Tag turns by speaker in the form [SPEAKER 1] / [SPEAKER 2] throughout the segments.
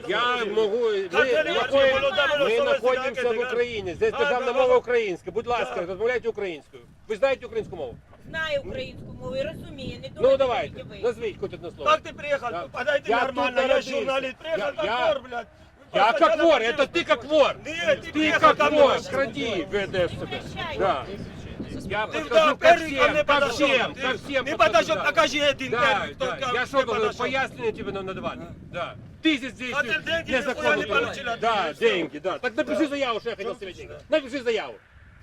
[SPEAKER 1] Я можу, ми знаходимося в Україні, здесь державна мова українська. Будь ласка, розмовляйте українською. Ви знаєте українську мову?
[SPEAKER 2] Знаю українську мову і розумію. Не
[SPEAKER 1] Ну
[SPEAKER 2] думайте,
[SPEAKER 1] давайте,
[SPEAKER 2] що ви.
[SPEAKER 1] назвіть хоч одне слово.
[SPEAKER 3] Как ты приехал? Подойди
[SPEAKER 1] Я
[SPEAKER 3] нормально,
[SPEAKER 1] тут
[SPEAKER 3] я
[SPEAKER 1] народился.
[SPEAKER 3] журналист. Приехал как
[SPEAKER 1] Я-
[SPEAKER 3] вор, блядь.
[SPEAKER 1] Я как вор, это ты как вор.
[SPEAKER 3] Нет, ты
[SPEAKER 1] Ты
[SPEAKER 3] приехал
[SPEAKER 1] как
[SPEAKER 3] ко
[SPEAKER 1] вор,
[SPEAKER 3] мне.
[SPEAKER 1] кради, ведешь себя. Да. Я
[SPEAKER 3] Ты
[SPEAKER 1] подхожу ко
[SPEAKER 3] первый ко мне
[SPEAKER 1] всем, ко
[SPEAKER 3] подошел.
[SPEAKER 1] всем,
[SPEAKER 3] Ты
[SPEAKER 1] ко всем.
[SPEAKER 3] не
[SPEAKER 1] подхожу,
[SPEAKER 3] подошел,
[SPEAKER 1] да.
[SPEAKER 3] покажи один
[SPEAKER 1] Да,
[SPEAKER 3] первый, кто
[SPEAKER 1] да.
[SPEAKER 3] ко
[SPEAKER 1] Я
[SPEAKER 3] мне
[SPEAKER 1] что должен
[SPEAKER 3] подошел.
[SPEAKER 1] пояснение тебе надавать? Да. Ты здесь
[SPEAKER 3] А ты
[SPEAKER 1] действуешь
[SPEAKER 3] деньги
[SPEAKER 1] незаконно.
[SPEAKER 3] нихуя не получил от
[SPEAKER 1] Да,
[SPEAKER 3] меня, всё.
[SPEAKER 1] деньги, да. Так напиши заяву, что я хотел себе деньги. Напиши заяву.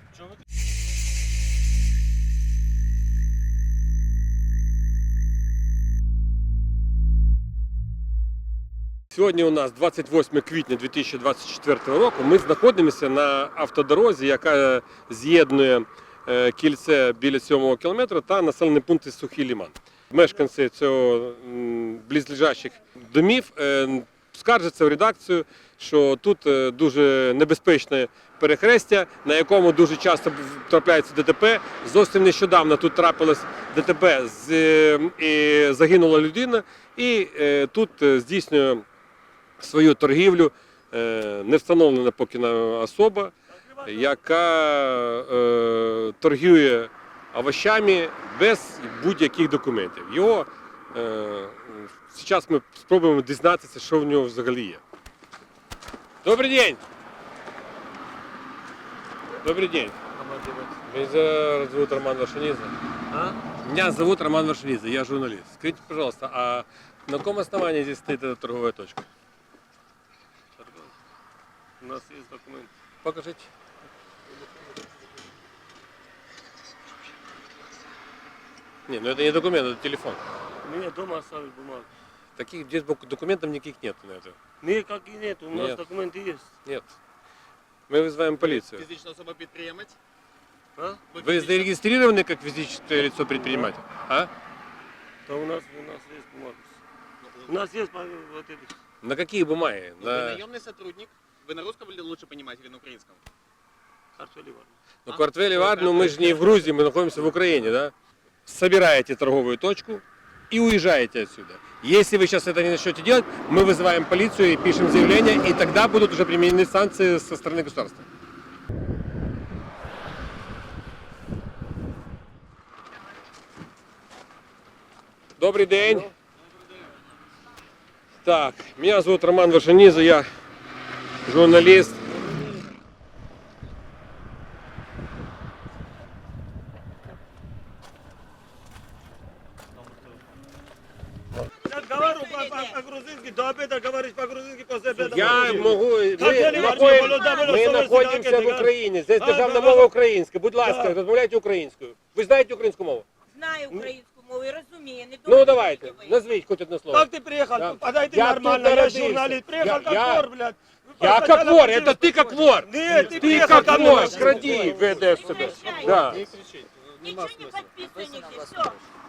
[SPEAKER 1] Сьогодні у нас 28 квітня 2024 року. Ми знаходимося на автодорозі, яка з'єднує кільце біля 7-го кілометра та населений пункт Сухий Лиман. Мешканці цього близлежащих домів скаржаться в редакцію, що тут дуже небезпечне перехрестя, на якому дуже часто трапляються ДТП. Зовсім нещодавно тут трапилось ДТП, і загинула людина, і тут здійснює свою торгівлю не встановлена поки особа, яка торгує овощами без будь-яких документів. Його зараз ми спробуємо дізнатися, що в нього взагалі є. Добрий день! Добрий день! Меня зовут Роман Варшанидзе. Меня зовут Роман Варшанидзе, я журналист. Скажите, пожалуйста, а на каком основании здесь стоит эта торговая точка?
[SPEAKER 3] У нас есть документ.
[SPEAKER 1] Покажите. Не, ну это не документ, это телефон.
[SPEAKER 3] Мне дома оставили бумагу.
[SPEAKER 1] Таких здесь документов никаких нет на это.
[SPEAKER 3] Никак и нет, у нас
[SPEAKER 1] Нет.
[SPEAKER 3] документы есть.
[SPEAKER 1] Нет. Мы вызываем полицию.
[SPEAKER 4] Фізична особа підприємець?
[SPEAKER 3] А?
[SPEAKER 1] Вы зарегистрированы как физическое лицо предприниматель? А?
[SPEAKER 3] Да у нас есть бумага. У нас есть вот эти.
[SPEAKER 1] На какие бумаги?
[SPEAKER 4] Ви
[SPEAKER 1] На...
[SPEAKER 4] наемный сотрудник. Вы на русском или лучше понимаете, или на украинском?
[SPEAKER 3] Картофели ладно.
[SPEAKER 1] Ну, квартвели, ладно, мы же не в Грузии, мы находимся в Украине, да? Собираете торговую точку и уезжаете отсюда. Если вы сейчас это не начнете делать, мы вызываем полицию и пишем заявление, и тогда будут уже применены санкции со стороны государства. Добрый день. Так, меня зовут Роман Варшанидзе, я журналист.
[SPEAKER 3] Я говорю по-грузински, до обеда говоришь по-грузински, после обеда
[SPEAKER 1] Я можу,
[SPEAKER 3] Картелі
[SPEAKER 1] ми знаходимося в Україні, здесь державна мова українська. Будь ласка, розмовляйте українською. Ви знаєте українську мову?
[SPEAKER 2] Знаю українську мову і розумію. Не думайте,
[SPEAKER 1] Ну давайте,
[SPEAKER 2] що ви.
[SPEAKER 1] назвіть хоч одне слово.
[SPEAKER 3] Как ты приехал?
[SPEAKER 1] Да.
[SPEAKER 3] Подойди
[SPEAKER 1] Я
[SPEAKER 3] нормально,
[SPEAKER 1] тут
[SPEAKER 3] я
[SPEAKER 1] народился.
[SPEAKER 3] журналист. Приехал
[SPEAKER 1] Я-
[SPEAKER 3] как вор, блядь.
[SPEAKER 1] Я как вор, это ты как вор.
[SPEAKER 3] Нет, ты
[SPEAKER 1] Ты
[SPEAKER 3] приехал ко
[SPEAKER 1] как
[SPEAKER 3] мне.
[SPEAKER 1] вор, кради, ведешь себя. Да.
[SPEAKER 2] Ничего не подписывай, все.